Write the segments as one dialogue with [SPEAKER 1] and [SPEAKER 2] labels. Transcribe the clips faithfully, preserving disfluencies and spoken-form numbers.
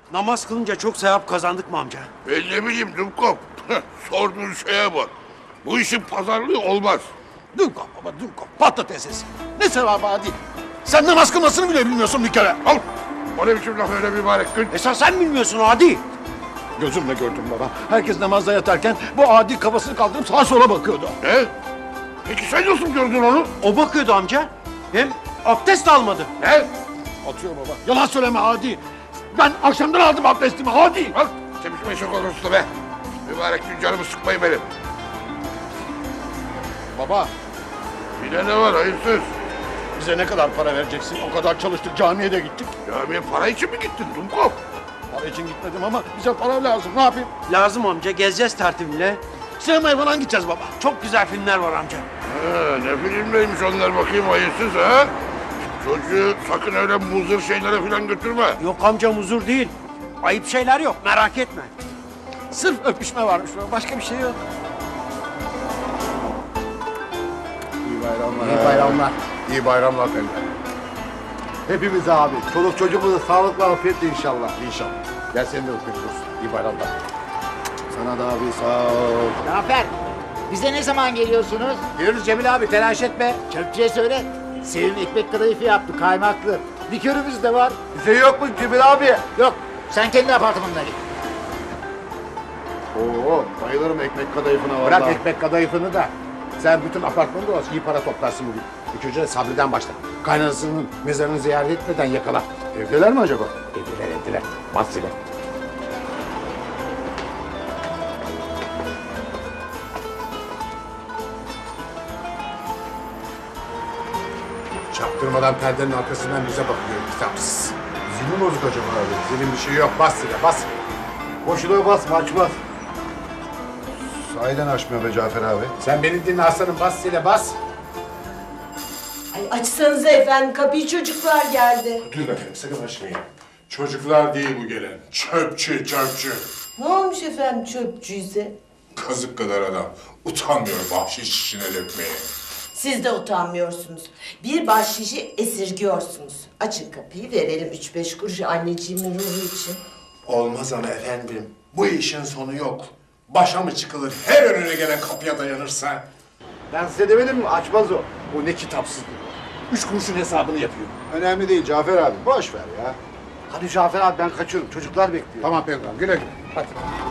[SPEAKER 1] Namaz kılınca çok sevap kazandık mı amca?
[SPEAKER 2] Ben ne bileyim Dumkov. Sorduğun şeye bak. Bu işin pazarlığı olmaz.
[SPEAKER 3] Dumkov baba Dumkov. Patates esesi. Ne sevabı Adi? Sen namaz kılmasını bile bilmiyorsun bir kere.
[SPEAKER 2] Al. O ne biçim laf öyle mübarek gün?
[SPEAKER 1] Esas sen bilmiyorsun Adi.
[SPEAKER 3] Gözümle gördüm baba. Herkes namazda yatarken bu Adi kafasını kaldırıp sağa sola bakıyordu.
[SPEAKER 2] Ne? Peki sen nasıl gördün onu?
[SPEAKER 1] O bakıyordu amca. Hem abdest de almadı.
[SPEAKER 2] Ne?
[SPEAKER 3] Atıyor baba. Yalan söyleme Adi. Ben akşamdan aldım abdestimi Adi.
[SPEAKER 2] Bak çemişme şok olursun be. Mübarek gün canımı sıkmayın benim.
[SPEAKER 3] Baba
[SPEAKER 2] Yine ne var hayırsız?
[SPEAKER 3] bize ne kadar para vereceksin? O kadar çalıştık camiye de gittik.
[SPEAKER 2] Camiye para için mi gittin Dumkov?
[SPEAKER 3] Para için gitmedim ama bize para lazım. Ne yapayım?
[SPEAKER 1] Lazım amca, gezeceğiz tertibiyle.
[SPEAKER 3] Sinemaya falan gideceğiz baba.
[SPEAKER 1] Çok güzel filmler var amca.
[SPEAKER 2] Ha, ne filmleymiş onlar bakayım hayırsız ha? Çocuğu sakın öyle muzır şeylere falan götürme.
[SPEAKER 1] Yok amcam huzur değil. Ayıp şeyler yok, merak etme.
[SPEAKER 3] Sırf öpüşme varmış baba. Başka bir şey yok.
[SPEAKER 4] İyi bayramlar.
[SPEAKER 5] İyi bayramlar.
[SPEAKER 4] İyi bayramlar efendim. Hepimize abi. Çoluk çocuğumuza sağlıkla afiyetle inşallah. İnşallah. Gel seni de öpüyoruz. İyi bayramlar. Sana da abi sağ ol.
[SPEAKER 5] Cafer, bize ne zaman geliyorsunuz? Diyoruz Cemil abi, telaş etme. Çöpçüye söyle. Sevim ekmek kadayıfı yaptı, kaymaklı. Likörümüz de var.
[SPEAKER 4] Bize yok mu Cemil abi?
[SPEAKER 5] Yok, sen kendi apartmanına git.
[SPEAKER 4] Oo, bayılırım ekmek kadayıfına vallahi.
[SPEAKER 5] Bırak ekmek kadayıfını da. Sen bütün apartmanı dolaşıp iyi para toplarsın bugün. İlk önce Sabri'den başla. Kaynanasının mezarını ziyaret etmeden yakala.
[SPEAKER 4] Evdeler mi acaba?
[SPEAKER 5] Evdiler evdiler. Bas ile. Çaktırmadan perdenin arkasından bize bakıyor kitapsız.
[SPEAKER 4] Zilin bozuk acaba abi?
[SPEAKER 5] Senin bir şey yok. Bas ile bas.
[SPEAKER 4] Boşuna basma açmaz. Sahiden açmıyor be Cafer abi.
[SPEAKER 5] Sen beni dinle aslanım. Bas ile bas.
[SPEAKER 6] Ay açsanıza efendim kapıyı, çocuklar geldi.
[SPEAKER 7] Dur efendim sakın açmayın. Çocuklar değil bu gelen. Çöpçü, çöpçü.
[SPEAKER 6] Ne olmuş efendim çöpçüyse?
[SPEAKER 7] Kazık kadar adam. Utanmıyor bahşiş işine dökmeye.
[SPEAKER 6] Siz de utanmıyorsunuz. Bir bahşişi esirgiyorsunuz. Açın kapıyı, verelim üç beş kuruş anneciğimin ruhu için.
[SPEAKER 7] Olmaz ama efendim. Bu işin sonu yok. Başa mı çıkılır her önüne gelen kapıya dayanırsa?
[SPEAKER 4] Ben size demedim mi? Açmaz o.
[SPEAKER 3] Bu ne kitapsızlık. Üç kuruşun hesabını yapıyor.
[SPEAKER 4] Önemli değil Cafer abi. Boş ver ya. Hadi Cafer abi ben kaçıyorum. Çocuklar bekliyor.
[SPEAKER 5] Tamam Peygamber. Güle güle. Hadi.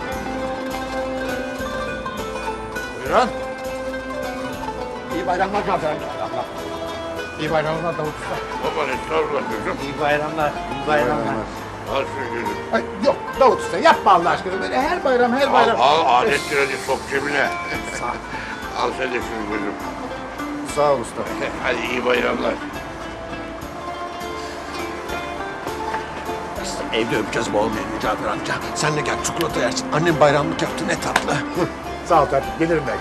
[SPEAKER 3] Buyurun. İyi bayramlar Cafer amca. Bayramlar. İyi bayramlar Davut Usta.
[SPEAKER 2] Baba estağfurullah çocuğum.
[SPEAKER 1] İyi bayramlar, iyi bayramlar.
[SPEAKER 2] Al şu gözüm.
[SPEAKER 5] Ay, yok Davut Usta yapma Allah aşkına. Böyle her bayram her
[SPEAKER 2] Al,
[SPEAKER 5] bayram.
[SPEAKER 2] al adettir hadi sok cebine. Al sen de şunu gözüm.
[SPEAKER 4] Sağ ol usta.
[SPEAKER 2] Hadi iyi bayramlar.
[SPEAKER 3] Evde öpeceğiz bol menü Cafer amca. Sen de gel çikolata yersin. Annem bayramlık yaptı ne tatlı.
[SPEAKER 5] Sağ ol tabii. Gelirim belki.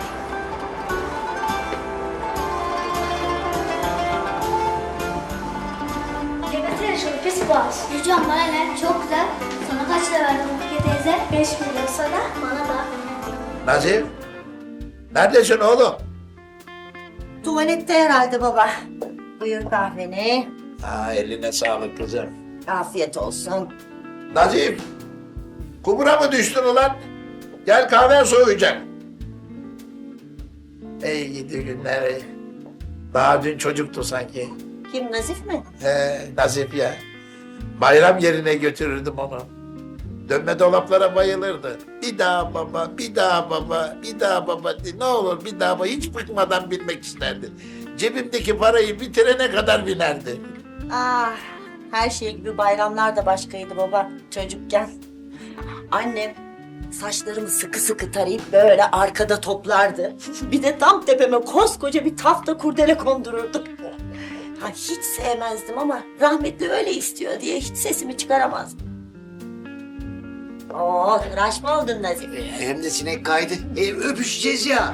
[SPEAKER 8] Yemesene şunu pis boğaz. Yücem bana ne? Çok güzel. Sana kaç lira verdim Rukiye teyze? Beş milyon sana. Bana da.
[SPEAKER 5] Nazif. Neredesin oğlum?
[SPEAKER 6] Tuvalette herhalde baba. Buyur kahveni.
[SPEAKER 5] Aa, eline sağlık kızım.
[SPEAKER 6] Afiyet olsun.
[SPEAKER 5] Nazif. Kumura mı düştün ulan? Gel kahven soğuyacak. Ey gidi günler. ey. Daha dün çocuktu sanki.
[SPEAKER 6] Kim, Nazif mi?
[SPEAKER 5] He, Nazif ya. Bayram yerine götürürdüm onu. Dönme dolaplara bayılırdı. Bir daha baba, bir daha baba, bir daha baba diye. Ne olur bir daha baba. Hiç bıkmadan binmek isterdi. Cebimdeki parayı bitirene kadar binerdi.
[SPEAKER 6] Ah, her şey gibi bayramlar da başkaydı baba çocukken. Annem saçlarımı sıkı sıkı tarayıp böyle arkada toplardı. Bir de tam tepeme koskoca bir tafta kurdele kondururdu. Ha, hiç sevmezdim ama rahmetli öyle istiyor diye hiç sesimi çıkaramazdım. Oo, tıraş mı oldun Nazif?
[SPEAKER 5] Hem de sinek kaydı. E, öpüşeceğiz ya.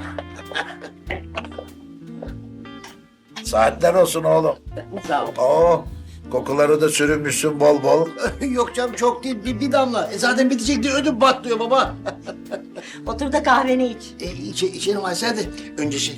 [SPEAKER 5] Saatler olsun oğlum.
[SPEAKER 6] Sağ ol.
[SPEAKER 5] Oo, kokuları da sürünmüşsün bol bol.
[SPEAKER 9] Yok canım çok değil bir, bir damla. E zaten bitecek diye ödüm patlıyor baba.
[SPEAKER 6] Otur da kahveni iç.
[SPEAKER 9] E, içe, içelim Aysel hadi. Önce şey.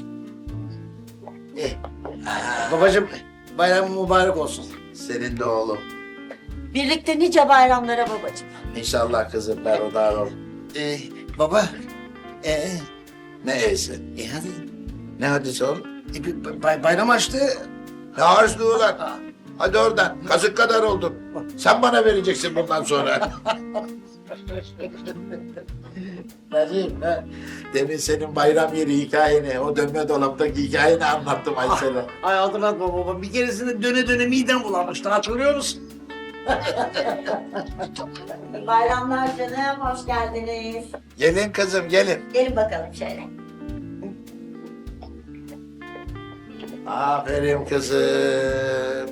[SPEAKER 9] E, babacığım bayramın mübarek olsun.
[SPEAKER 5] Senin de oğlum.
[SPEAKER 6] Birlikte nice bayramlara babacığım.
[SPEAKER 5] İnşallah kızım berhudar ol.
[SPEAKER 9] Ee, baba. Ee,
[SPEAKER 5] Ne eysi?
[SPEAKER 9] e hadi.
[SPEAKER 5] Ne hadisi oğlum?
[SPEAKER 9] E, bir bay- bayram açtı.
[SPEAKER 5] Ne harçlığı ulan? Hadi oradan. Kazık kadar oldun. Sen bana vereceksin bundan sonra. Nazım, ha? Demin senin bayram yeri hikayeni, o dönme dolaptaki hikayeni anlattım Aysel'e.
[SPEAKER 9] Ay hatırlatma baba. Bir keresinde döne döne midem bulanmıştı. Hatırlıyor musun?
[SPEAKER 6] Bayramlar canım, hoş geldiniz.
[SPEAKER 5] Gelin kızım, gelin.
[SPEAKER 6] Gelin bakalım şöyle.
[SPEAKER 5] Aferin kızım.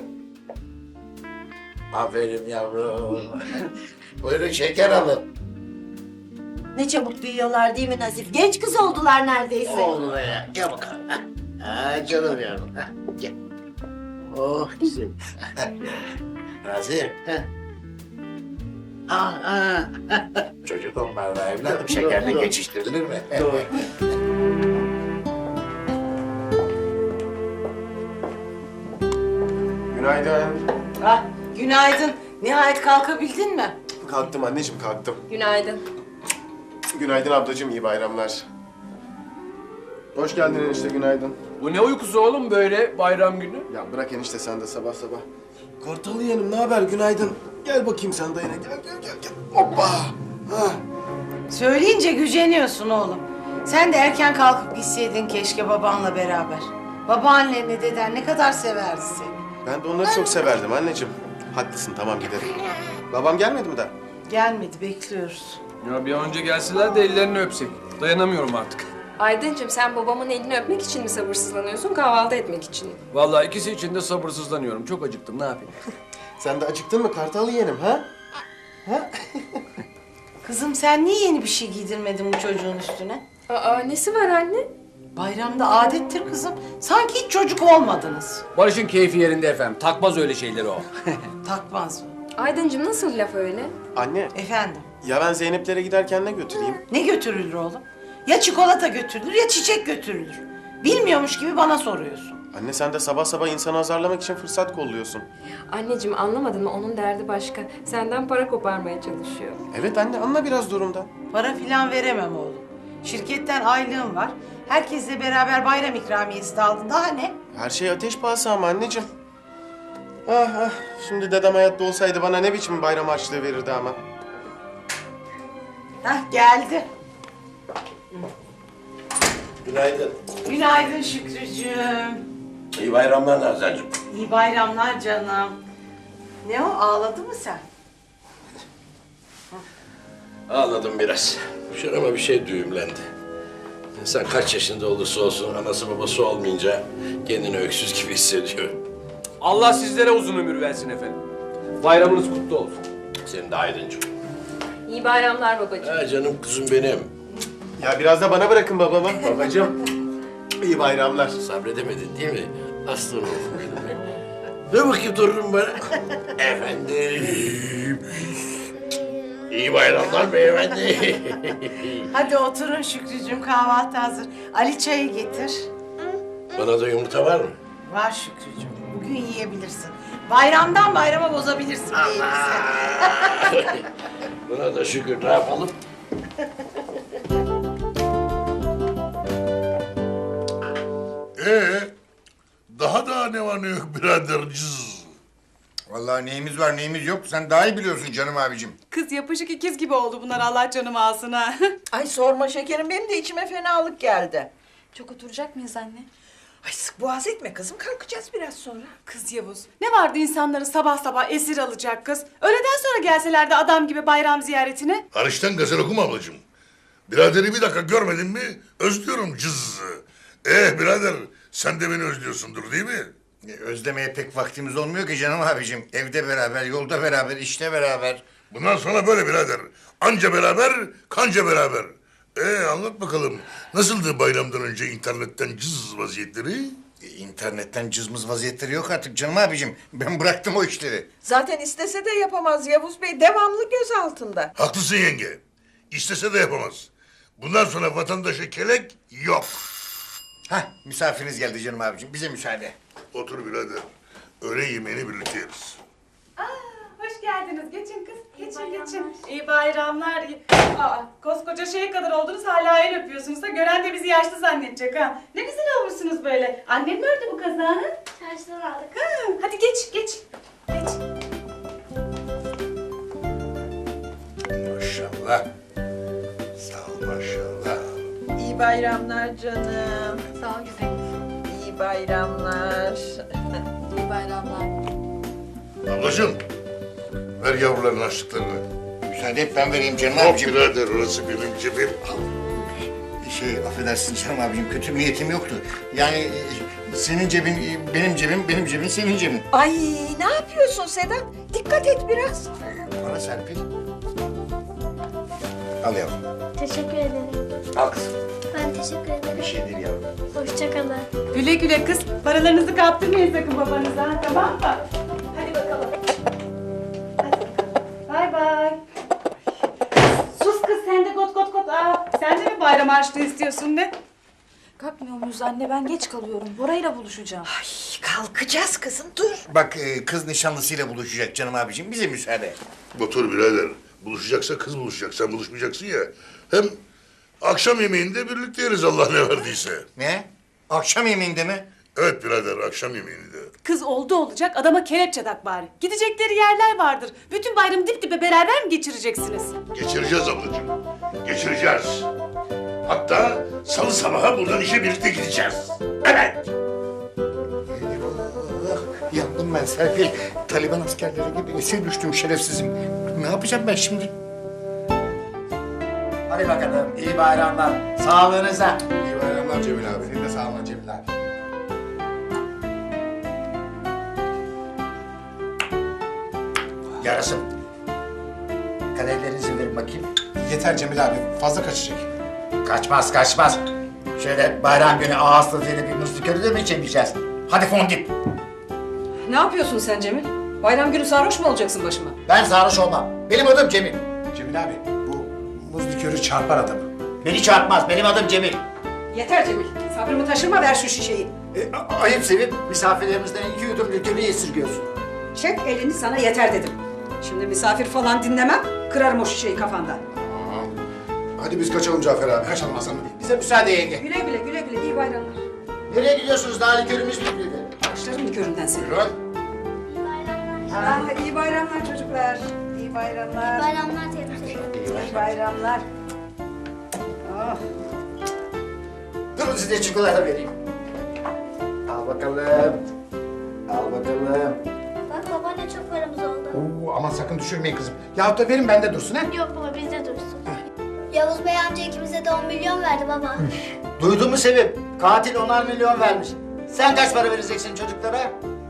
[SPEAKER 5] Aferin yavrum. Buyurun şeker alın.
[SPEAKER 6] Ne çabuk büyüyorlar değil mi Nazif? Genç kız oldular neredeyse.
[SPEAKER 9] Oldu be ya. Gel bakalım. Ha. Ha, canım yavrum. Ha. Gel. Oh güzel.
[SPEAKER 5] Nazım,
[SPEAKER 9] Aa, aa.
[SPEAKER 5] çocuk onlarla evladım şekerle geçiştirilir mi?
[SPEAKER 9] Doğru.
[SPEAKER 7] Günaydın.
[SPEAKER 10] Ah, günaydın. Nihayet kalkabildin mi?
[SPEAKER 7] Kalktım anneciğim, kalktım.
[SPEAKER 10] Günaydın.
[SPEAKER 7] Günaydın ablacığım, iyi bayramlar. Hoş geldin enişte, günaydın.
[SPEAKER 11] Bu ne uykusu oğlum böyle bayram günü?
[SPEAKER 7] Ya bırak enişte sen de sabah sabah. Kartalı yeğenim, ne haber? Günaydın. Gel bakayım sen dayına, gel gel gel gel. Hoppa! Ha.
[SPEAKER 10] Söyleyince güceniyorsun oğlum. Sen de erken kalkıp gitseydin keşke babanla beraber. Babaannenle deden ne kadar severdi seni.
[SPEAKER 7] Ben de onları çok severdim anneciğim. Haklısın, tamam gidelim. Babam gelmedi mi daha?
[SPEAKER 10] Gelmedi, bekliyoruz.
[SPEAKER 11] Ya bir an önce gelseler de ellerini öpsek. Dayanamıyorum artık.
[SPEAKER 12] Aydıncığım sen babamın elini öpmek için mi sabırsızlanıyorsun, kahvaltı etmek için mi?
[SPEAKER 11] Vallahi ikisi için de sabırsızlanıyorum. Çok acıktım, ne yapayım?
[SPEAKER 7] Sen de acıktın mı Kartalı yeğenim, ha? Ha?
[SPEAKER 10] Kızım sen niye yeni bir şey giydirmedin bu çocuğun üstüne?
[SPEAKER 12] Aa, nesi var anne?
[SPEAKER 10] Bayramda adettir kızım. Sanki hiç çocuk olmadınız.
[SPEAKER 11] Barış'ın keyfi yerinde efendim. Takmaz öyle şeyleri o.
[SPEAKER 10] Takmaz mı?
[SPEAKER 12] Aydıncığım nasıl laf öyle?
[SPEAKER 7] Anne,
[SPEAKER 10] Efendim,
[SPEAKER 7] ya ben Zeynep'lere giderken ne götüreyim?
[SPEAKER 10] ne götürülür oğlum? Ya çikolata götürülür ya çiçek götürülür. Bilmiyormuş gibi bana soruyorsun.
[SPEAKER 7] Anne sen de sabah sabah insanı azarlamak için fırsat kolluyorsun.
[SPEAKER 12] Anneciğim anlamadın mı? Onun derdi başka. Senden para koparmaya çalışıyor.
[SPEAKER 7] Evet anne, anla biraz durumdan.
[SPEAKER 10] Para filan veremem oğlum. Şirketten aylığım var. Herkesle beraber bayram ikramiyesi de aldın. Daha ne?
[SPEAKER 7] Her şey ateş pahası ama anneciğim. Ah ah, şimdi dedem hayatta olsaydı bana ne biçim bayram harçlığı verirdi ama.
[SPEAKER 10] Hah geldi.
[SPEAKER 5] Günaydın.
[SPEAKER 10] Günaydın Şükrücüğüm.
[SPEAKER 5] İyi bayramlar Nazancığım.
[SPEAKER 10] İyi bayramlar canım. Ne o, ağladı mı sen?
[SPEAKER 13] Ağladım biraz. Şurama bir şey düğümlendi. İnsan kaç yaşında olursa olsun anası babası olmayınca kendini öksüz gibi hissediyor.
[SPEAKER 11] Allah sizlere uzun ömür versin efendim. Bayramınız kutlu olsun.
[SPEAKER 13] Senin de Aydıncığım.
[SPEAKER 12] İyi bayramlar babacığım.
[SPEAKER 13] Ha canım kızım benim.
[SPEAKER 7] Ya biraz da bana bırakın babamı. Babacığım, iyi bayramlar.
[SPEAKER 13] Sabredemedin değil mi? Aslanım benim. Dur bakayım torunum bana. Efendim. İyi bayramlar beyefendi.
[SPEAKER 10] Hadi oturun Şükrücüğüm, kahvaltı hazır. Ali çayı getir.
[SPEAKER 13] Bana da yumurta var mı?
[SPEAKER 10] Var Şükrücüğüm, bugün yiyebilirsin. Bayramdan bayrama bozabilirsin değilse.
[SPEAKER 13] Buna da şükür, ne yapalım?
[SPEAKER 2] Ee, daha da ne var ne yok birader cız.
[SPEAKER 3] Vallahi neyimiz var neyimiz yok sen daha iyi biliyorsun canım abicim.
[SPEAKER 10] Kız yapışık ikiz gibi oldu bunlar, Allah canımı alsın ha. Ay sorma şekerim, benim de içime fenalık geldi.
[SPEAKER 12] Çok oturacak mıyız anne?
[SPEAKER 10] Ay sık boğaz etme kızım, kalkacağız biraz sonra.
[SPEAKER 14] Kız Yavuz, ne vardı insanları sabah sabah esir alacak kız? Öğleden sonra gelselerdi adam gibi bayram ziyaretine.
[SPEAKER 2] Hariçten gazel okuma ablacığım. Biraderi bir dakika görmedin mi özlüyorum cız. Eh birader sen de beni özlüyorsundur değil mi?
[SPEAKER 3] E, Özlemeye pek vaktimiz olmuyor ki canım abicim. Evde beraber, yolda beraber, işte beraber.
[SPEAKER 2] Bundan sonra böyle birader. Anca beraber, kanca beraber. Ee anlat bakalım. Nasıldı bayramdan önce internetten cız vaziyetleri?
[SPEAKER 3] E, İnternetten cızmız vaziyetleri yok artık canım abicim. Ben bıraktım o işleri.
[SPEAKER 10] Zaten istese de yapamaz Yavuz Bey, devamlı göz altında.
[SPEAKER 2] Haklısın yenge. İstese de yapamaz. Bundan sonra vatandaşa kelek yok.
[SPEAKER 3] Hah, misafiriniz geldi canım abicim. Bize müsaade.
[SPEAKER 2] Otur birader. Öğle yemeğini birlikte yeriz.
[SPEAKER 14] Hoş geldin. geldiniz. Geçin kız. Geçin geçin. İyi bayramlar. İyi- Aa, koskoca şey kadar oldunuz hala el öpüyorsunuz da gören de bizi yaşlı zannedecek ha. Ne güzel olmuşsunuz böyle. Annem mi ördü bu kazağını?
[SPEAKER 8] Çarşıdan aldık.
[SPEAKER 14] Ha, hadi geç geç. Geç.
[SPEAKER 2] Maşallah. Sağ ol maşallah.
[SPEAKER 6] İyi bayramlar canım.
[SPEAKER 8] Sağ ol güzelim.
[SPEAKER 6] İyi bayramlar.
[SPEAKER 8] İyi bayramlar.
[SPEAKER 2] Ablacığım, ver yavruların harçlıklarını.
[SPEAKER 4] Müsaade et ben vereyim canım
[SPEAKER 2] Hop
[SPEAKER 4] abicim.
[SPEAKER 2] birader, orası benim cebim.
[SPEAKER 4] Şey affedersin canım abicim kötü niyetim yoktu. Yani e, senin cebin e, benim cebim, benim cebin senin cebin.
[SPEAKER 6] Ay ne yapıyorsun Sedat? Dikkat et biraz.
[SPEAKER 4] Bana Serpil. Al yavrum.
[SPEAKER 8] Teşekkür ederim.
[SPEAKER 4] Al kızım.
[SPEAKER 8] Ben teşekkür ederim.
[SPEAKER 4] Bir şey değil yavrum.
[SPEAKER 8] Hoşçakalın.
[SPEAKER 14] Güle güle kız. Paralarınızı kaptırmayın sakın babanıza. ha, Tamam mı? Hadi bakalım. Hadi bakalım. Bay bay. Sus kız sen de got got got. Aa, sen de mi bayram harçlığı istiyorsun ne?
[SPEAKER 12] Kalkmıyor muyuz anne? Ben geç kalıyorum. Bora'yla buluşacağım.
[SPEAKER 6] Kalkacağız kızım dur.
[SPEAKER 4] Bak e, kız nişanlısıyla buluşacak canım abicim. Bize müsaade.
[SPEAKER 2] Otur birader. Buluşacaksa kız buluşacak. Sen buluşmayacaksın ya. Hem akşam yemeğinde birlikte yeriz Allah ne verdiyse.
[SPEAKER 4] Ne? Akşam yemeğinde mi?
[SPEAKER 2] Evet birader, akşam yemeğinde.
[SPEAKER 14] Kız oldu olacak adama kelepçe tak bari. Gidecekleri yerler vardır. Bütün bayramı dip dibe beraber mi geçireceksiniz?
[SPEAKER 2] Geçireceğiz ablacığım. Geçireceğiz. Hatta salı sabahı buradan işe birlikte gideceğiz. Evet.
[SPEAKER 4] Eyvallah. Yandım ben Serpil. Taliban askerleri gibi esir düştüm şerefsizim. Ne yapacağım ben şimdi?
[SPEAKER 9] Hadi bakalım. İyi bayramlar. Sağlığınıza.
[SPEAKER 4] İyi bayramlar Cemil abi. Senin de sağ olun Cemil abi.
[SPEAKER 9] Yarasın. Kaderlerinizi verin bakayım.
[SPEAKER 4] Yeter Cemil abi. Fazla kaçacak.
[SPEAKER 9] Kaçmaz kaçmaz. Şöyle bayram günü ağız tadıyla bir muz likörü de mi içemeyeceğiz? Hadi fondip.
[SPEAKER 12] Ne yapıyorsun sen Cemil? Bayram günü sarhoş mu olacaksın başıma?
[SPEAKER 9] Ben sarhoş olmam. Benim adım Cemil.
[SPEAKER 4] Cemil abi bu muz likörü çarpar adamı.
[SPEAKER 9] Beni çarpmaz. Benim adım Cemil.
[SPEAKER 12] Yeter Cemil. Sabrımı taşırma, ver şu şişeyi.
[SPEAKER 9] E, a- ayıp Sevim. Misafirlerimizden iki yudum likörü esirgiyorsun.
[SPEAKER 12] Çek elini, sana yeter dedim. Şimdi misafir falan dinlemem, kırarım o şişeyi kafandan.
[SPEAKER 4] Hadi biz kaçalım Cafer abi. Kaçalım Hasan Bey.
[SPEAKER 9] Bize müsaade yenge.
[SPEAKER 12] Güle güle, güle güle, iyi bayramlar.
[SPEAKER 9] Nereye gidiyorsunuz? Daha likörümüz bitmedi.
[SPEAKER 12] Başlarım liköründen seni.
[SPEAKER 4] Buyurun.
[SPEAKER 12] Ha, iyi bayramlar çocuklar. İyi bayramlar.
[SPEAKER 8] Bayramlar teyze.
[SPEAKER 12] İyi bayramlar. Oh.
[SPEAKER 9] Durun size çikolata vereyim. Al bakalım. Al bakalım.
[SPEAKER 8] Bak babaanne çok paramız oldu.
[SPEAKER 4] Oo, aman sakın düşürmeyin kızım. Yahut da verin bende dursun ha.
[SPEAKER 8] Yok baba bizde dursun. Yavuz Bey amca ikimize de on milyon verdi baba.
[SPEAKER 9] Duydun mu Sevim? Katil onar milyon vermiş. Sen kaç para vereceksin çocuklara?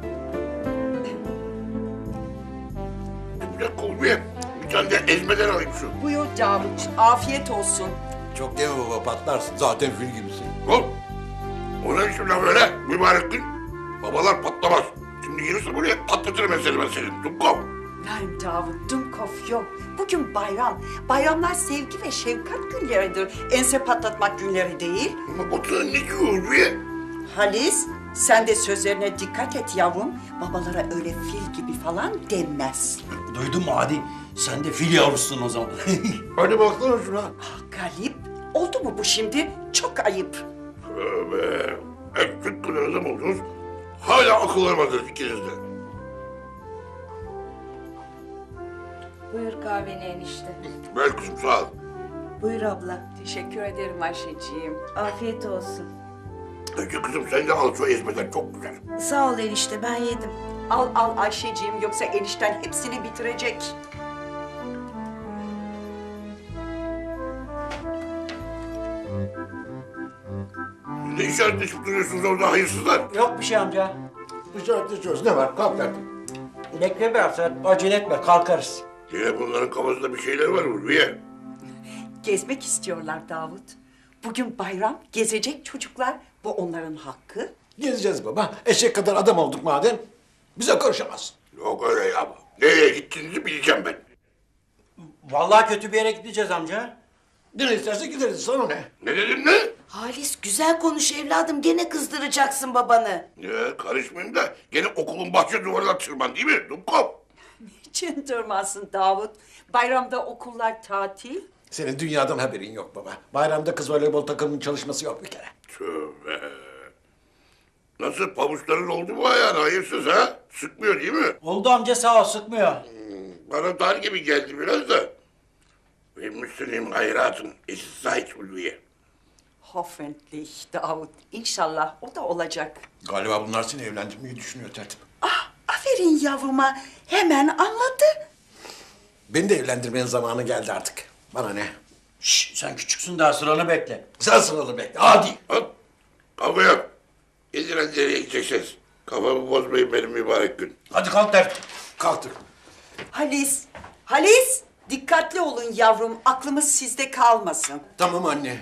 [SPEAKER 2] Bir dakika olmuyor. Bir tane de ezmeden alayım şu.
[SPEAKER 6] Buyur Davut. Afiyet olsun.
[SPEAKER 3] Çok deme baba patlarsın. Zaten fil gibisin.
[SPEAKER 2] Oğlum. O ne biçim laf öyle? Mübarek gün. Babalar patlamaz. Şimdi gelirse buraya patlatırım ben seni ben senin. Dumkov.
[SPEAKER 6] Nein Davut, Dumkopf yok. Bugün bayram. Bayramlar sevgi ve şefkat günleridir. Ense patlatmak günleri değil.
[SPEAKER 2] Ama Batuhan ne diyor be?
[SPEAKER 6] Halis, sen de sözlerine dikkat et yavrum. Babalara öyle fil gibi falan denmez.
[SPEAKER 1] Duydun mu Adi? Sen de fil yavrusun o zaman.
[SPEAKER 2] Hadi baksana şuna.
[SPEAKER 6] Ah Galip, oldu mu bu şimdi? Çok ayıp.
[SPEAKER 2] Tövbe. Hep süt kadar adam oldunuz. Hala akıl vermediniz ikiniz de.
[SPEAKER 12] Buyur kahveni enişte.
[SPEAKER 2] Ver kızım sağ ol.
[SPEAKER 6] Buyur abla. Teşekkür ederim Ayşeciğim. Afiyet olsun.
[SPEAKER 2] Önce kızım sen de al şu ezmeden çok güzel.
[SPEAKER 6] Sağ ol enişte, ben yedim. Al al Ayşeciğim, yoksa enişten hepsini bitirecek.
[SPEAKER 2] Ne işaretleşip duruyorsunuz orada hayırsızlar?
[SPEAKER 1] Yok bir şey amca.
[SPEAKER 4] İşaretleşiyoruz. Ne var? Kalk artık.
[SPEAKER 1] Bekle biraz sen. Acele etme kalkarız.
[SPEAKER 2] Yine bunların kafasında bir şeyler var Ulviye.
[SPEAKER 6] Gezmek istiyorlar Davut. Bugün bayram, gezecek çocuklar. Bu onların hakkı.
[SPEAKER 3] Gezeceğiz baba. Eşek kadar adam olduk madem. Bize karışamaz.
[SPEAKER 2] Yok öyle ya. Nereye gittiğinizi bileceğim ben.
[SPEAKER 1] Vallahi kötü bir yere gideceğiz amca.
[SPEAKER 3] Nereye isterse gideriz. Sana ne?
[SPEAKER 2] Ne dedin ne?
[SPEAKER 6] Halis güzel konuş evladım. Gene kızdıracaksın babanı.
[SPEAKER 2] Ya karışmayayım da gene okulun bahçe duvarına tırman değil mi? Dumkov.
[SPEAKER 12] Niçin durmasın Davut? Bayramda okullar tatil.
[SPEAKER 9] Senin dünyadan haberin yok baba. Bayramda kız voleybol takımının çalışması yok bir kere.
[SPEAKER 2] Tövbe. Nasıl pabuçların oldu mu ayağına hayırsız ha? Sıkmıyor değil mi?
[SPEAKER 1] Oldu amca sağ ol sıkmıyor.
[SPEAKER 2] Bana dar gibi geldi biraz da. Ve Müslüman hayratım. Es ist Zeit, Ulviye.
[SPEAKER 12] Hoffentlich Davut. İnşallah o da olacak.
[SPEAKER 9] Galiba bunlar seni evlendirmeyi düşünüyor tertip.
[SPEAKER 12] Ah, aferin yavruma. Hemen anladı.
[SPEAKER 9] Beni de evlendirmenin zamanı geldi artık. Bana ne?
[SPEAKER 1] Şşş sen küçüksün daha sıranı bekle.
[SPEAKER 9] Sen sıralı bekle. Hadi.
[SPEAKER 2] Hop. Kavga yok. Gidin hadi nereye gideceksiniz? Kafamı bozmayın benim mübarek gün.
[SPEAKER 1] Hadi kalk tertip.
[SPEAKER 9] Kalktık.
[SPEAKER 12] Halis, Halis. Dikkatli olun yavrum. Aklımız sizde kalmasın.
[SPEAKER 9] Tamam anne.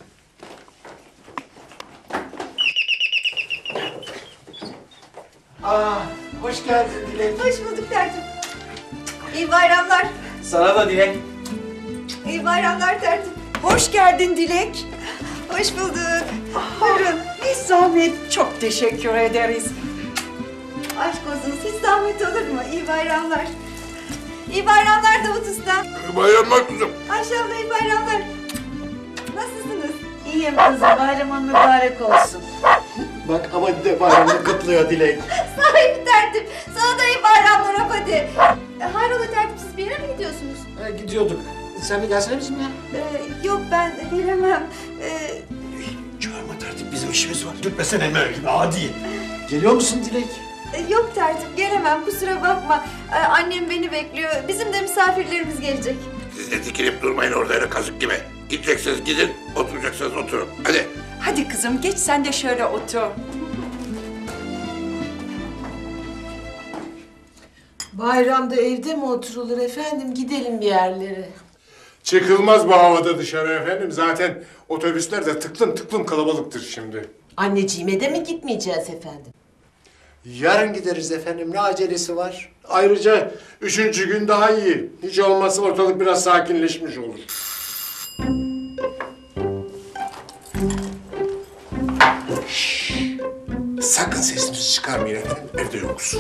[SPEAKER 1] Aa hoş geldin Dilek.
[SPEAKER 6] Hoş bulduk tertip. İyi bayramlar.
[SPEAKER 1] Sana da Dilek.
[SPEAKER 6] İyi bayramlar tertip.
[SPEAKER 12] Hoş geldin Dilek.
[SPEAKER 6] Hoş bulduk.
[SPEAKER 12] Buyurun. Bir zahmet. Çok teşekkür ederiz.
[SPEAKER 6] Aşk olsun. Hiç zahmet olur mu? İyi bayramlar. İyi bayramlar Davut Usta.
[SPEAKER 2] İyi bayramlar kızım.
[SPEAKER 6] Ayşe abla iyi bayramlar. Nasılsınız?
[SPEAKER 10] İyiyim kızım, bayramın mübarek olsun.
[SPEAKER 3] Bak ama de bayramda kutluyor Dilek.
[SPEAKER 6] Sahibi tertip. Sana da iyi bayramlar hadi. E, hayrola tertip siz bir yere mi gidiyorsunuz?
[SPEAKER 9] E, gidiyorduk. Sen de gelsene bizimle.
[SPEAKER 6] Ee, yok ben gelemem. Ee,
[SPEAKER 9] Çağırma tertip. Bizim işimiz var. Gitmesene Emel gibi adi. Geliyor musun Dilek?
[SPEAKER 6] e, yok tertip gelemem kusura bakma. Ee, annem beni bekliyor. Bizim de misafirlerimiz gelecek.
[SPEAKER 2] Siz de dikilip durmayın orada öyle kazık gibi. Gideceksiniz gidin, oturacaksınız oturun. Hadi.
[SPEAKER 12] Hadi kızım geç sen de şöyle otur.
[SPEAKER 10] Bayramda evde mi oturulur efendim? Gidelim bir yerlere.
[SPEAKER 7] Çıkılmaz bu havada dışarı efendim. Zaten otobüsler de tıklım tıklım kalabalıktır şimdi.
[SPEAKER 10] Anneciğime de mi gitmeyeceğiz efendim?
[SPEAKER 7] Yarın gideriz efendim. Ne acelesi var? Ayrıca üçüncü gün daha iyi. Hiç olmazsa ortalık biraz sakinleşmiş olur. Şşş! Sakın sesinizi çıkarmayın efendim. Evde yokuz.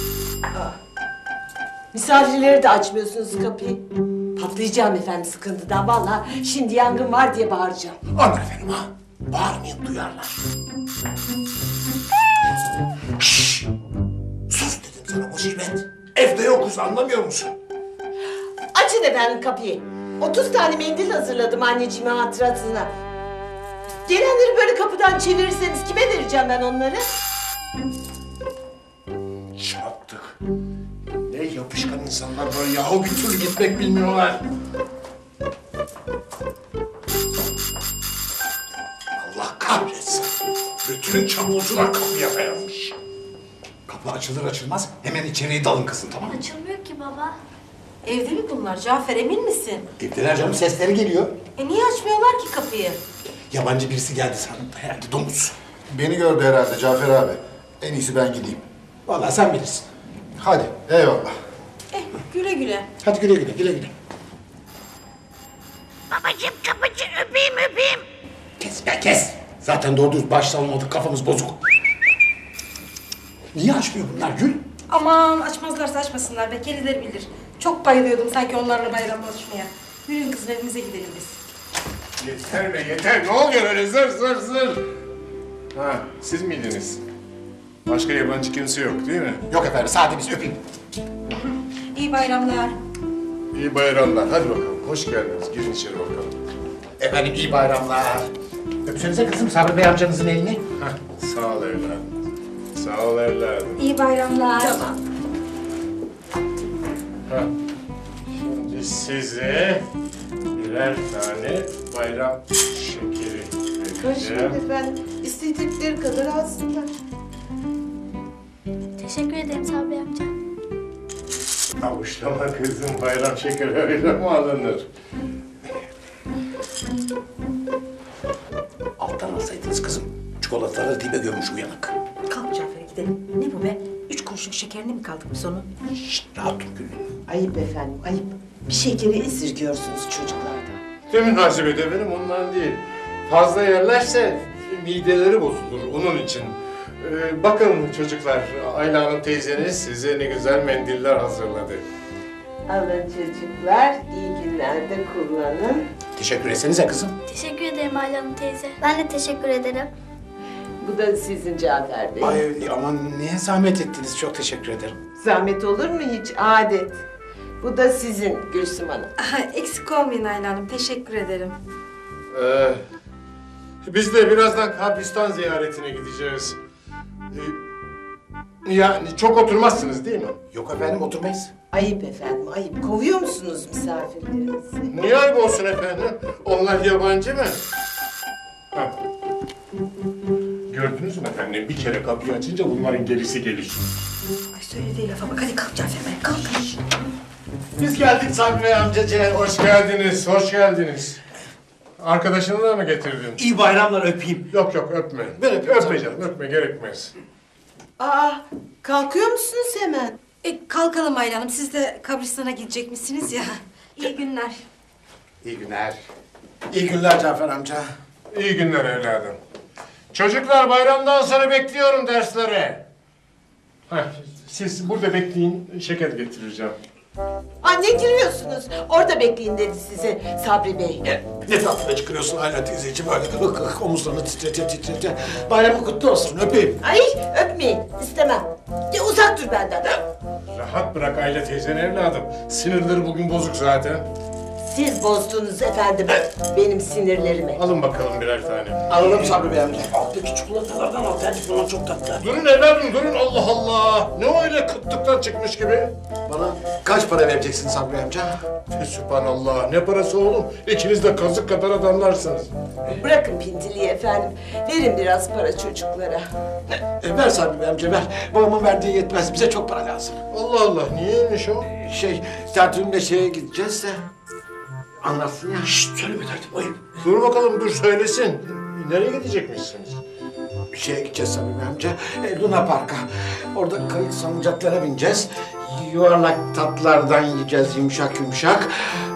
[SPEAKER 10] Misafirleri de açmıyorsunuz kapıyı. Patlayacağım efendim sıkıntıdan. Vallahi şimdi yangın var diye bağıracağım.
[SPEAKER 9] Aman efendim ha. Bağırmayın duyarlar. Şşş! Sus dedim sana musibet. Evde yokuz anlamıyor musun?
[SPEAKER 10] Açın efendim kapıyı. Otuz tane mendil hazırladım anneciğime hatırasına. Gelenleri böyle kapıdan çevirirseniz kime vereceğim ben onları?
[SPEAKER 7] Çattık. Ne yapışkan insanlar böyle yahu bir türlü gitmek bilmiyorlar. Allah kahretsin. Bütün çamurcular kapıya dayanmış.
[SPEAKER 9] Kapı açılır açılmaz hemen içeriye dalın kızım tamam mı?
[SPEAKER 8] Açılmıyor ki baba.
[SPEAKER 10] Evde mi bunlar Cafer emin misin?
[SPEAKER 9] Evdeler canım sesleri geliyor.
[SPEAKER 10] E niye açmıyorlar ki kapıyı?
[SPEAKER 9] Yabancı birisi geldi sandım da herhalde domuz.
[SPEAKER 4] Beni gördü herhalde Cafer abi. En iyisi ben gideyim.
[SPEAKER 9] Vallahi sen bilirsin.
[SPEAKER 4] Hadi eyvallah.
[SPEAKER 10] Eh güle güle.
[SPEAKER 9] Hadi güle güle güle güle.
[SPEAKER 6] Babacığım kapıcı öpeyim öpeyim.
[SPEAKER 9] Kes be kes. Zaten doğru düz başlamadık kafamız bozuk. Niye açmıyor bunlar Gül?
[SPEAKER 14] Aman açmazlarsa açmasınlar be, kendileri bilir. Çok bayılıyordum sanki onlarla bayramlaşmaya. Yürüyün kızım evimize gidelim biz.
[SPEAKER 7] Yeter be yeter. Ne oluyor öyle zır zır zır? Ha siz miydiniz? Başka yabancı kimse yok değil mi?
[SPEAKER 9] Yok efendim sadece biz öpeyim.
[SPEAKER 14] İyi bayramlar.
[SPEAKER 7] İyi bayramlar. Hadi bakalım. Hoş geldiniz. Girin içeri bakalım.
[SPEAKER 9] Efendim iyi bayramlar. Öpsenize kızım Sabri Bey amcanızın elini.
[SPEAKER 7] Heh, sağ ol evladım. Sağ ol evladım.
[SPEAKER 14] İyi bayramlar.
[SPEAKER 10] Tamam.
[SPEAKER 7] Ha. Şimdi size birer tane bayram şekeri
[SPEAKER 10] Karışmayın
[SPEAKER 7] vereceğim.
[SPEAKER 10] efendim. İstedikleri kadar alsınlar.
[SPEAKER 8] Teşekkür ederim Sabri amca.
[SPEAKER 7] Avuçlama kızım bayram şekeri öyle mi alınır?
[SPEAKER 9] Alttan alsaydınız kızım. Çikolataları dibe gömmüş uyanık.
[SPEAKER 12] Kalk Cafer gidelim. Ne bu be? Üç kuruşluk şekerine mi kaldık biz onun?
[SPEAKER 9] Şşt rahat dur Gül.
[SPEAKER 10] Ayıp efendim ayıp. Bir şekeri esirgiyorsunuz çocuklardan.
[SPEAKER 7] Ne münasebet efendim ondan değil. Fazla yerlerse mideleri bozulur onun için. Ee, bakın çocuklar, Ayla Hanım teyzeniz size ne güzel mendiller hazırladı.
[SPEAKER 10] Alın çocuklar, iyi günlerde kullanın.
[SPEAKER 9] Teşekkür etsenize kızım.
[SPEAKER 8] Teşekkür ederim Ayla Hanım teyze. Ben de teşekkür ederim.
[SPEAKER 10] Bu da sizin Cafer Bey.
[SPEAKER 9] Ay aman niye zahmet ettiniz? Çok teşekkür ederim.
[SPEAKER 10] Zahmet olur mu hiç? Adet. Bu da sizin Gülsüm Hanım.
[SPEAKER 12] Eksik olmayın Ayla Hanım. Teşekkür ederim.
[SPEAKER 7] Ee, biz de birazdan kabristan ziyaretine gideceğiz. Ee, yani çok oturmazsınız değil mi?
[SPEAKER 9] Yok efendim oturmayız.
[SPEAKER 10] Ayıp efendim, ayıp. Kovuyor musunuz misafirlerinizi?
[SPEAKER 7] Niye ayıp olsun efendim? Onlar yabancı mı? Ha. Gördünüz mü efendim? Bir kere kapıyı açınca bunların gerisi gelir.
[SPEAKER 12] Ay söylediği lafa bak. Hadi kalk Cafer Bey kalk.
[SPEAKER 9] Biz geldik Sabri Bey amcacığım.
[SPEAKER 7] Hoş geldiniz, hoş geldiniz. Arkadaşını da mı getirdin?
[SPEAKER 1] İyi bayramlar, öpeyim.
[SPEAKER 7] Yok yok öpme.
[SPEAKER 9] Ben öpeyim
[SPEAKER 7] Öpme canım, öpme gerekmez.
[SPEAKER 10] Aa, kalkıyor musunuz hemen?
[SPEAKER 12] E, kalkalım Ayla Hanım. Siz de kabristana gidecek misiniz ya? İyi günler.
[SPEAKER 9] İyi günler. İyi günler Cafer amca.
[SPEAKER 7] İyi günler evladım. Çocuklar bayramdan sonra bekliyorum derslere. Heh, siz burada bekleyin, şeker getireceğim.
[SPEAKER 10] Aa, ne giriyorsunuz? Orada bekleyin dedi size Sabri Bey.
[SPEAKER 9] Ne tatlı çıkıyorsun Ayla teyzeciğim öyle omuzlarını titrete titrete. Bayramın kutlu olsun öpeyim.
[SPEAKER 10] Ay, öpmeyin. İstemem. Ya, uzak dur benden.
[SPEAKER 7] Rahat bırak Ayla teyzen evladım. Sinirleri bugün bozuk zaten.
[SPEAKER 10] Siz bozdunuz efendim benim sinirlerimi.
[SPEAKER 7] Alın bakalım birer tane.
[SPEAKER 9] Alalım Sabri Bey amca.
[SPEAKER 13] Alttaki çikolatalardan al. Tercih bunlar çok tatlı.
[SPEAKER 7] Durun evladım durun Allah Allah. Ne o öyle kıtlıktan çıkmış gibi?
[SPEAKER 9] Bana kaç para vereceksin Sabri Bey amca?
[SPEAKER 7] Sübhanallah ne parası oğlum? İkiniz de kazık kadar adamlarsınız.
[SPEAKER 10] Bırakın pintiliği efendim. Verin biraz para çocuklara.
[SPEAKER 9] E, ver Sabri Bey amca ver. Babamın verdiği yetmez. Bize çok para lazım.
[SPEAKER 7] Allah Allah niyeymiş o?
[SPEAKER 9] Şey, Sertürk'le şeye gideceğiz de... Anlatsın ya.
[SPEAKER 13] Şşt söyleme tertip ayıp.
[SPEAKER 7] Dur bakalım dur söylesin. Nereye gidecekmişsiniz?
[SPEAKER 9] Şeye gideceğiz Sabri Bey amca. E, Luna Park'a. Orada kayık salıncaklara bineceğiz. Yuvarlak tatlardan yiyeceğiz yumuşak yumuşak.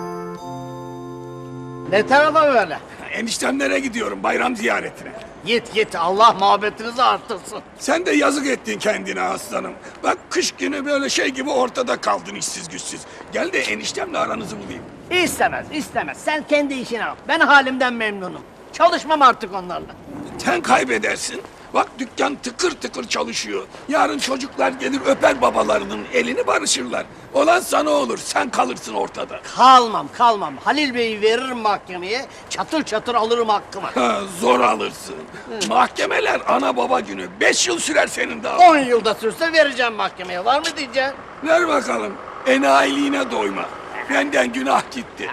[SPEAKER 3] Ne tarafa böyle?
[SPEAKER 1] Eniştemlere gidiyorum bayram ziyaretine.
[SPEAKER 3] Git git, Allah muhabbetinizi arttırsın.
[SPEAKER 1] Sen de yazık ettin kendine aslanım. Bak kış günü böyle şey gibi ortada kaldın işsiz güçsüz. Gel de eniştemle aranızı bulayım.
[SPEAKER 3] İstemez, istemez. Sen kendi işine bak. Ben halimden memnunum. Çalışmam artık onlarla.
[SPEAKER 1] Sen kaybedersin. Bak dükkan tıkır tıkır çalışıyor. Yarın çocuklar gelir öper babalarının elini barışırlar. Olan sana olur, sen kalırsın ortada.
[SPEAKER 3] Kalmam, kalmam. Halil Bey'i veririm mahkemeye. Çatır çatır alırım hakkımı.
[SPEAKER 1] Ha, zor alırsın. Mahkemeler ana baba günü. Beş yıl sürer senin daha.
[SPEAKER 3] On yılda sürse vereceğim mahkemeye. Var mı diyeceksin?
[SPEAKER 1] Ver bakalım. Enayiliğine doyma. Benden günah gitti.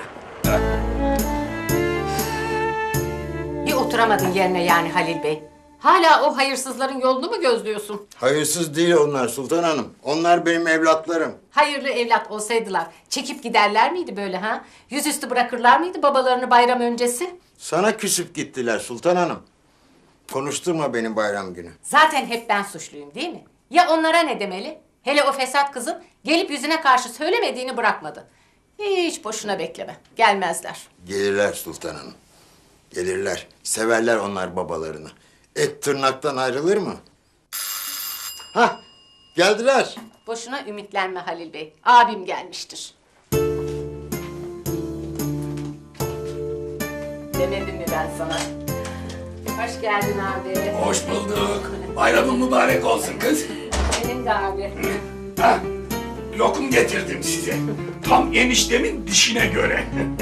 [SPEAKER 15] Bir oturamadın yerine yani Halil Bey. Hala o hayırsızların yolunu mu gözlüyorsun?
[SPEAKER 4] Hayırsız değil onlar Sultan Hanım. Onlar benim evlatlarım.
[SPEAKER 15] Hayırlı evlat olsaydılar çekip giderler miydi böyle ha? Yüzüstü bırakırlar mıydı babalarını bayram öncesi?
[SPEAKER 4] Sana küsüp gittiler Sultan Hanım. Konuşturma benim bayram günü.
[SPEAKER 15] Zaten hep ben suçluyum değil mi? Ya onlara ne demeli? Hele o fesat kızın gelip yüzüne karşı söylemediğini bırakmadı. Hiç boşuna bekleme. Gelmezler.
[SPEAKER 4] Gelirler Sultan Hanım. Gelirler. Severler onlar babalarını. Et tırnaktan ayrılır mı? Hah, geldiler.
[SPEAKER 15] Boşuna ümitlenme Halil Bey. Abim gelmiştir. Demedim mi ben sana? Hoş geldin abi.
[SPEAKER 1] Hoş bulduk. Bayramın mübarek olsun kız.
[SPEAKER 15] Senin de abi.
[SPEAKER 1] Ha, lokum getirdim size. Tam eniştemin dişine göre.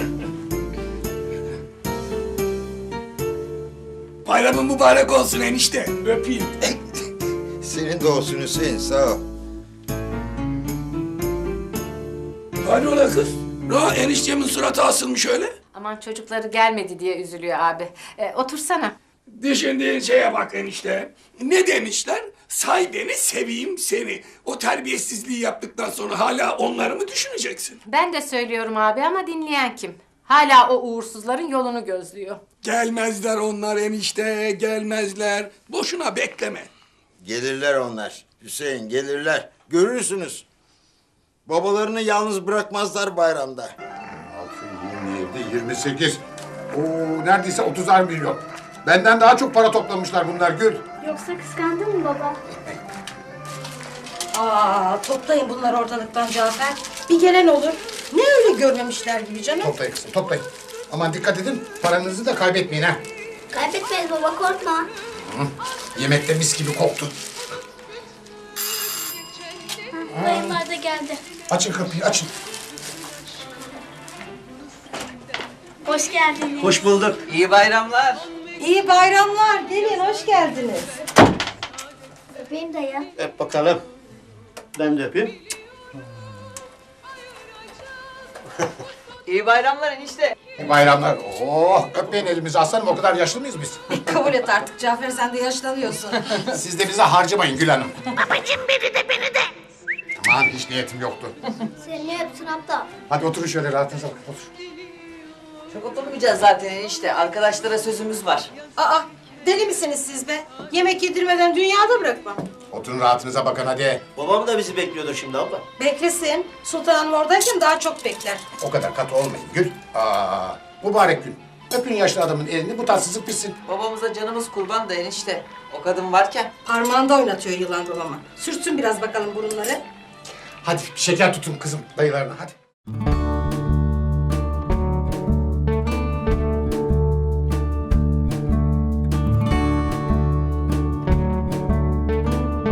[SPEAKER 1] Bayramın mübarek olsun enişte. Öpeyim.
[SPEAKER 4] Senin de olsun Hüseyin, sağ ol.
[SPEAKER 1] Hadi ola kız. Ne eniştemin suratı asılmış öyle?
[SPEAKER 15] Aman çocukları gelmedi diye üzülüyor abi. Ee, otursana.
[SPEAKER 1] Düşündüğün şeye bak enişte. Ne demişler? Say beni, seveyim seni. O terbiyesizliği yaptıktan sonra hala onları mı düşüneceksin?
[SPEAKER 15] Ben de söylüyorum abi ama dinleyen kim? Hala o uğursuzların yolunu gözlüyor.
[SPEAKER 1] Gelmezler onlar enişte, gelmezler. Boşuna bekleme.
[SPEAKER 4] Gelirler onlar. Hüseyin, gelirler. Görürsünüz. Babalarını yalnız bırakmazlar bayramda.
[SPEAKER 3] Altı, yirmi yedi, yirmi sekiz. Oo, neredeyse otuzar milyon. Benden daha çok para toplamışlar bunlar Gül.
[SPEAKER 8] Yoksa kıskandın mı baba?
[SPEAKER 12] Aa, toplayın bunları ortalıktan Cafer. Bir gelen olur. Ne öyle görmemişler gibi canım.
[SPEAKER 3] Toplayın kızım, toplayın. Aman dikkat edin, paranızı da kaybetmeyin ha.
[SPEAKER 8] Kaybetmeyiz baba, korkma.
[SPEAKER 3] Hı. Yemekte mis gibi koktu.
[SPEAKER 8] Dayımlar da geldi.
[SPEAKER 3] Açın kapıyı, açın.
[SPEAKER 8] Hoş geldiniz.
[SPEAKER 9] Hoş bulduk. İyi bayramlar.
[SPEAKER 12] İyi bayramlar. Gelin, hoş geldiniz.
[SPEAKER 8] Öpeyim dayı.
[SPEAKER 9] Öp bakalım. Ben de öpeyim.
[SPEAKER 10] İyi bayramlar enişte.
[SPEAKER 3] İyi bayramlar. Oh, öpmeyin elimizi aslanım, o kadar yaşlı mıyız biz?
[SPEAKER 12] Kabul et artık Cafer, sen de yaşlanıyorsun.
[SPEAKER 3] Siz de bize harcamayın Gül Hanım. Babacığım beni de, beni de. Aman hiç niyetim yoktu.
[SPEAKER 8] Seni ne öpsün aptal?
[SPEAKER 3] Hadi oturun şöyle rahatınıza bakın, otur.
[SPEAKER 10] Çok oturmayacağız zaten enişte. Arkadaşlara sözümüz var.
[SPEAKER 12] Aa, deli misiniz siz be? Yemek yedirmeden dünyada bırakmam.
[SPEAKER 3] Oturun rahatınıza bakın hadi.
[SPEAKER 9] Babam da bizi bekliyordur şimdi abla.
[SPEAKER 12] Beklesin. Sultanım oradayken daha çok bekler.
[SPEAKER 3] O kadar katı olmayın Gül. Aa, mübarek gün. Öpün yaşlı adamın elini, bu tatsızlık bitsin.
[SPEAKER 10] Babamıza canımız kurban da enişte. O kadın varken.
[SPEAKER 12] Parmağında oynatıyor yılan dolama. Sürtsün biraz bakalım burunları.
[SPEAKER 3] Hadi şeker tutun kızım dayılarına hadi.